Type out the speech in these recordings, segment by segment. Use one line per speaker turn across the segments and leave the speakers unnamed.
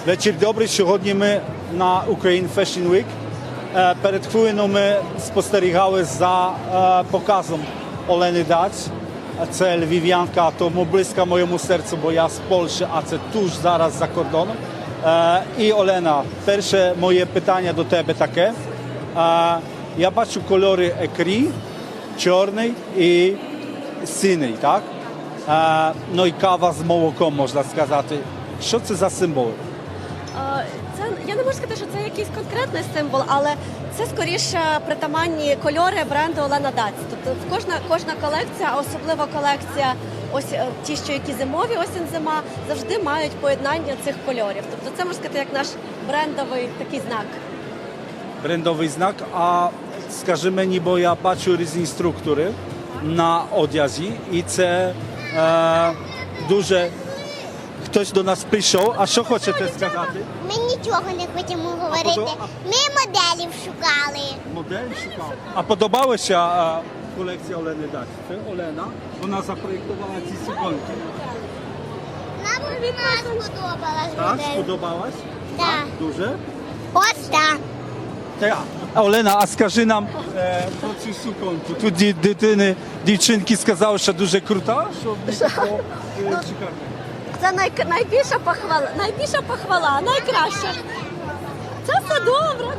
Вечір добрий. Сьогодні ми на Ukraine Fashion Week. Перед хвилиною ми спостерігали за показом Олени Даць. Це львів'янка, тому близька моєму серцю, бо я з Польщі, а це туж зараз за кордоном. І Олена, перше моє питання до тебе таке. Я бачу кольори екрі, чорний і синій, так? Ну і кава з молоком, можна сказати. Що це за символи?
Я не можу сказати, що це якийсь конкретний символ, але це скоріше притаманні кольори бренду Олена Даць. Тобто кожна колекція, а особливо колекція, ось ті, що які зимові, осінь-зима, завжди мають поєднання цих кольорів. Тобто це, можна сказати, як наш брендовий такий знак.
Брендовий знак, а скажи мені, бо я бачу різні структури на одязі, і це дуже... Хтось до нас прийшов, а що хочете сказати?
Ми нічого не хочемо говорити. Ми моделів шукали.
Модель шукав. А подобалася колекція Олени Даць? Це Олена, вона запроєктувала ці суконки.
Нам вона сподобалась
Так,
модель.
сподобалась?
Так.
Дуже?
Ось так.
Так. Олена, а скажи нам про цю суконку. Тут дівчинки сказали, що дуже крута, що було шикарно.
Це найбільша похвала, найкраща. Це все добре.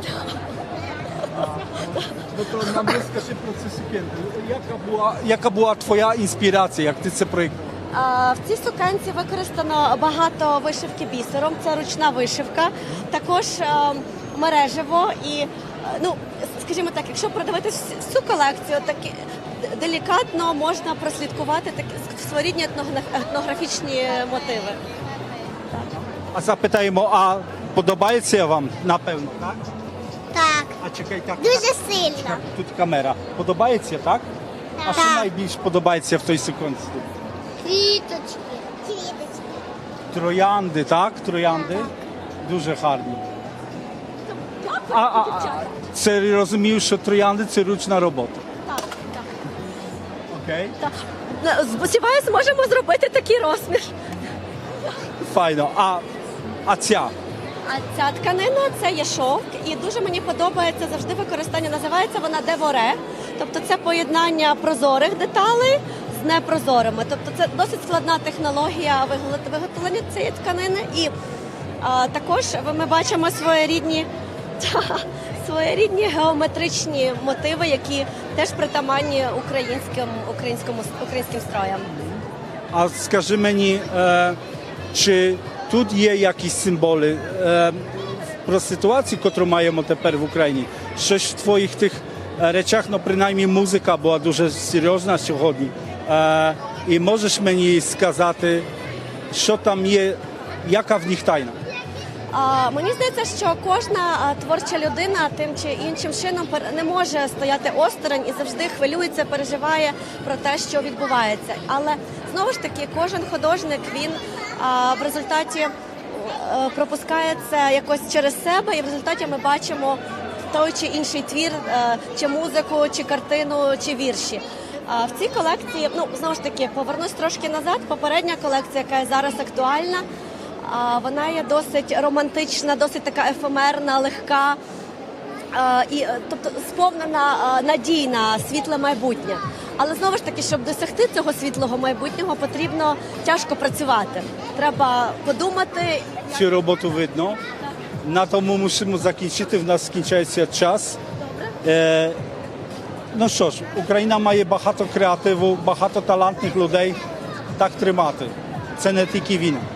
То нам розкажи про цю сукенку. Яка була твоя інспірація, як ти це проєктував?
В цій сукенці використано багато вишивки бісером, це ручна вишивка, також мережево і, скажімо так, якщо продивитися всю колекцію, так делікатно можна прослідкувати такі своєрідні етнографічні мотиви.
А запитаємо, а подобається вам? Напевно, так?
Так.
А чекай, так.
Дуже сильно.
Тут камера. Подобається, так? А що
Так.
найбільш подобається в той суконці?
Квіточки. Квіточки.
Троянди, так? Троянди. Дуже гарні. Це розумію, що троянди – це ручна робота.
Так.
Окей.
Сподіваюсь, зможемо зробити такий розмір.
Файно. А ця?
А ця тканина – це є шовк, і дуже мені подобається завжди використання, називається вона деворе, тобто це поєднання прозорих деталей з непрозорими. Тобто це досить складна технологія виготовлення цієї тканини, і також ми бачимо своєрідні геометричні мотиви, які теж притаманні українським строям.
А скажи мені, чи тут є якісь символи про ситуацію, яку маємо тепер в Україні? Щось в твоїх тих речах, принаймні музика була дуже серйозна сьогодні. І можеш мені сказати, що там є, яка в них тайна?
Мені здається, що кожна творча людина тим чи іншим чином не може стояти осторонь і завжди хвилюється, переживає про те, що відбувається. Але знову ж таки, кожен художник, він в результаті пропускає це якось через себе, і в результаті ми бачимо той чи інший твір, чи музику, чи картину, чи вірші. В цій колекції, знову ж таки, повернусь трошки назад, попередня колекція, яка є зараз актуальна, вона є досить романтична, досить така ефемерна, легка, тобто сповнена надій на світле майбутнє. Але знову ж таки, щоб досягти цього світлого майбутнього, потрібно тяжко працювати. Треба подумати.
Цю роботу видно. На тому мусимо закінчити, в нас скінчається час. Ну що ж, Україна має багато креативу, багато талантних людей. Так тримати. Це не тільки війна.